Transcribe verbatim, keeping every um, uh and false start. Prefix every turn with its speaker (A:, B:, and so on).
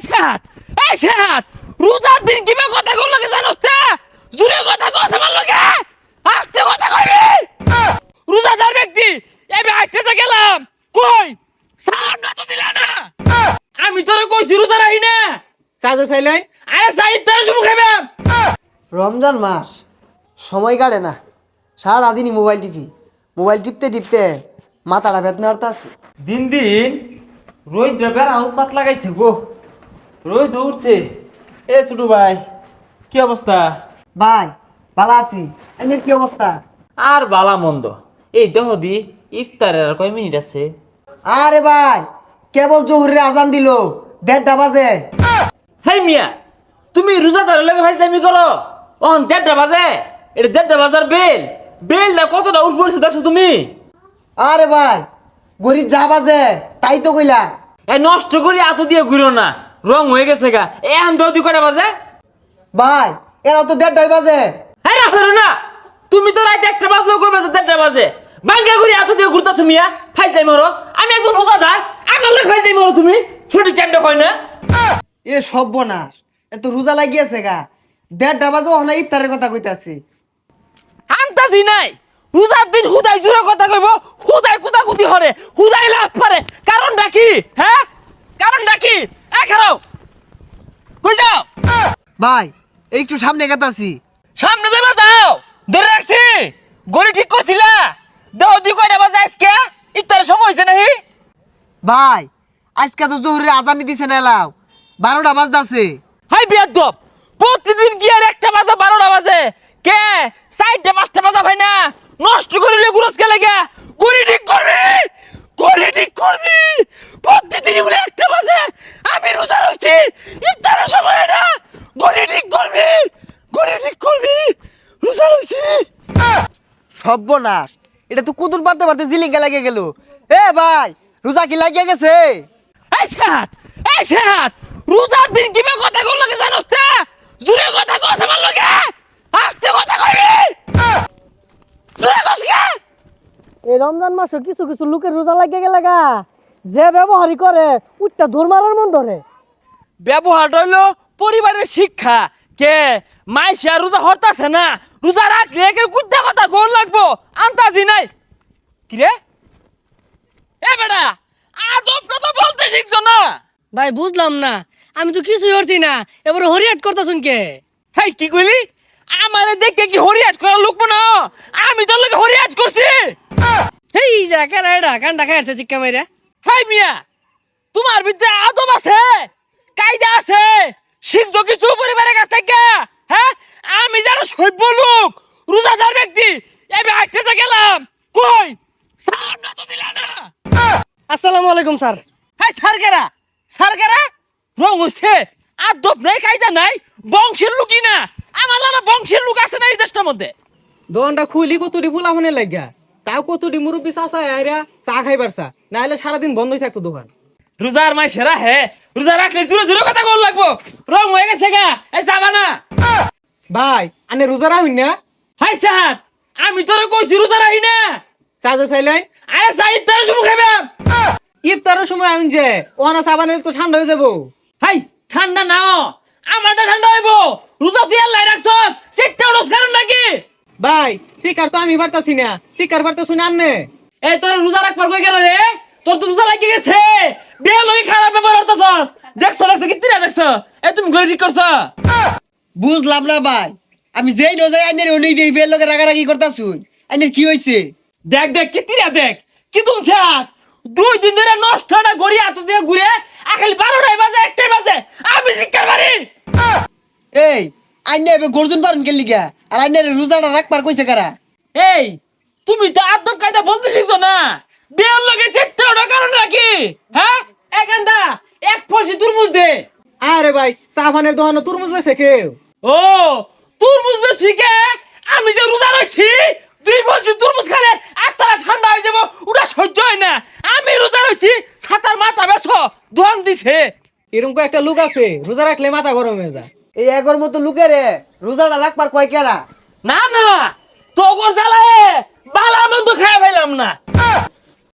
A: Sir এই sir রোজার দিন কিভাবে কথা কল লাগে জানোস তে জুরে কথা কস আমার লগে আস্তে কথা কইবি রোজাদার ব্যক্তি এবে আইতে গেলাম কই সালাম না তো দিলা না আমি তোরে কইছি রোজা রাখি না
B: চাচা চাইলেন
A: আরে সাইদ তোর শুমু খাইবাম
C: রমজান মাস সময় কাটে না সারাদিনই মোবাইল টিপি মোবাইল টিপতে টিপতে মাথাটা বেদনা হতে আছে।
A: দিন দিন রোদ বের উৎপাত লাগাইছে গো রোদ উঠছে এ ছোটু ভাই কি অবস্থা
C: ভাই ভালো আছি, এনের কি অবস্থা?
A: আর বালা মন্দ এই দেহ দি ইফতারের আর কয় মিনিট আছে
C: আরে ভাই কেবল জোহরের আজান দিল দেড়টা বাজে।
A: হেই মিয়া তুমি রোজাদার লগে ফাইজলামি করো অন দেড়টা বাজে এটা দেড়টা বাজার বেল বেলটা কতটা উঠ পড়ছে দেখছো তুমি
C: আরে ভাই গরি যা বাজে তাই তো কইলা।
A: এ নষ্ট করি এত দিয়ে ঘুরো না রং হয়ে গেছে গা এখন দশ দুই কটা বাজে
C: ভাই এরা তো দেড়টাই বাজে।
A: হ্যাঁ না করো না তুমি তো রাত একটা বাজলেও করবে দেড়টা বাজে বাঙ্গা করি এত দিয়ে ঘুরতেছো মিয়া ফাইজলাই মরো আমি একজন রোজাদার আমার লোক ফাইজলাই মরো তুমি ছোট চ্যান্ড কয় না
C: এ সর্বনাশ এ তো রোজা লাগিয়েছে গা দেড়টা বাজে ওখানে ইফতারের কথা কইতাছি।
A: আন্তাজি নাই রোজার দিন হুদাই জুড়ে কথা কইব হুদাই কুতা কুতি হরে হুদাই লাভ পারে কারণটা কি হ্যাঁ কারণটা কি এ খারাও কই যাও
C: ভাই একটু সামনে গেতাছি।
A: সামনে যাবা যাও ধরে রাখছি গড়ি ঠিক করছিলা দেহ দি কয়টা বাজে আজকে ইফতারের সময় হইছে নাহি
C: ভাই আজকে তো জোহরের আজান দিছে না এলাও বারোটা বাজতাছে।
A: হাই বিয়াদব প্রতিদিন কি আর একটা বাজে বারোটা বাজে কে চারটা পাঁচটা বাজা ভাই না নষ্ট করিলে গুরস কে লাগে গড়ি ঠিক করবি গড়ি ঠিক করবি প্রতিদিন বলে একটা বাজে আমি রোজা রইছি ইফতারের সময় না গড়ি ঠিক করবি গড়ি ঠিক করবি রোজা রইছি
C: সর্বনাশ এটা তো কুতুর পারতে পারতে জিলিঙ্গা লাগে গেল। এ ভাই রোজা কি লাগিয়ে গেছে?
A: এই স্যার এই স্যার রোজার দিন কিভাবে কথা কল লাগে জানোস তে জুরে কথা কস আমার লগে আস্তে কথা কইবি জুরে কস কে
B: এই রমজান মাসে কিছু কিছু লোকের রোজা লাগিয়ে গেলে গা যে ব্যবহারই করে উঠটা ধর মারার মন ধরে।
A: ব্যবহার হইলো পরিবারের শিক্ষা কে মাইশা রোজা হরতাছে না রোজা রাখলে একে কুদ্দা কথা গোল লাগবো আন্তাজি নাই কি রে এ বেটা আদবটা তো বলতে শিখছো না
B: ভাই বুঝলাম না আমি তো কিছুই করছি না এবার হরিয়াট করতেছুন কে?
A: হেই কি কইলি আমারে দেখে কি হরিয়াট করা লোক না আমি তোর লগে হরিয়াট করছি
B: হেই যা কেরা এটা কান্ডা খাইছে চিক্কা মাইরা।
A: হাই মিয়া তোমার ভিতরে আদব আছে কায়দা আছে শিখছো কিছু পরিবারের কাছ থেকে হ্যাঁ আমি যারা সভ্য লোক রোজাদার ব্যক্তি এবে আইতে গেলাম কই সালাম না তো দিলা না
B: আসসালামু আলাইকুম স্যার।
A: হাই সারকেরা সারকেরা রং হচ্ছে আদব নাই কায়দা নাই বংশের লোকই না আমার না বংশের লোক আছে না এই দেশটার মধ্যে
B: দোকানটা খুলি কতটি ফুলা ফোনে লাগিয়া তাও কতটি মুরব্বী চাষা আইরা চা খাইবার চা না হলে সারাদিন বন্ধই থাকতো দোকান।
A: রোজার মাই সেরা হে রোজা রাখলে জুরে জুরে কথা কল লাগবো রং হয়ে গেছে গা এই যাবা না
B: ভাই আনে রোজা রাখুন না?
A: হাই স্যার আমি তোরে কইছি রোজা রাখি না
B: চাচা চাইলেন
A: আরে সাইদ তোর শুমু খাইবাম
B: ইফতারের সময় আমি যে ওহানা সাবানে তো ঠান্ডা হয়ে যাবো।
A: হাই ঠান্ডা নাও আমারটা ঠান্ডা হইব রোজা তুই আল্লাহ রাখছস সেটা রোজ কারণ নাকি
B: ভাই শিকার তো আমি পারতাছি না শিকার পারতাছি না আন্নে।
A: এই তোর রোজা রাখবার কই গেল রে তোর তো রোজা লাগি গেছে বিয়ে লই খারাপ ব্যবহার করতেছস দেখছ দেখছ কি তিরা দেখছ এই তুমি ঘরে ঠিক করছ
C: বুঝলাম না ভাই আমি যেই নজাই আইনের উনি দেই বের লোকে রাগারাগি করতাছুন আইনের কি হইছে?
A: দেখ দেখ কি তিরা দেখ কি তুমি স্যার দুই দিন ধরে নষ্ট না গড়ি হাত দিয়ে ঘুরে আখালি বারোটায় বাজে একটাই বাজে আমি শিক্ষার বাড়ি
C: এই আইনে এবে গর্জন পারেন কে লিগা আর আইনের রোজাটা রাখবার কইছে কারা?
A: এই তুমি তো আদব কায়দা বলতে শিখছো না বিয়ের লগে চেষ্টা ওটা কারণ নাকি হ্যাঁ এখানটা এক পয়সা তুরমুজ দে
B: আরে ভাই সাবানের দোকানে তরমুজ বেছে কেউ?
A: ও তুরমুজ বেশি কে আমি যে রোজা রইছি দুই পয়সা তুরমুজ খেলে আত্মা ঠান্ডা হয়ে যাবো ওটা সহ্য হয় না আমি রোজা রইছি ছাতার মাথা বেছো দোয়ান দিছে
B: এরকম একটা লোক আছে রোজা রাখলে মাথা গরম হয়ে যায়।
C: এই এগর মতো লোকেরে রোজাটা রাখবার কয় কেরা?
A: না না তোগর জ্বালায় বালা মন্দ খাই ফেলাম না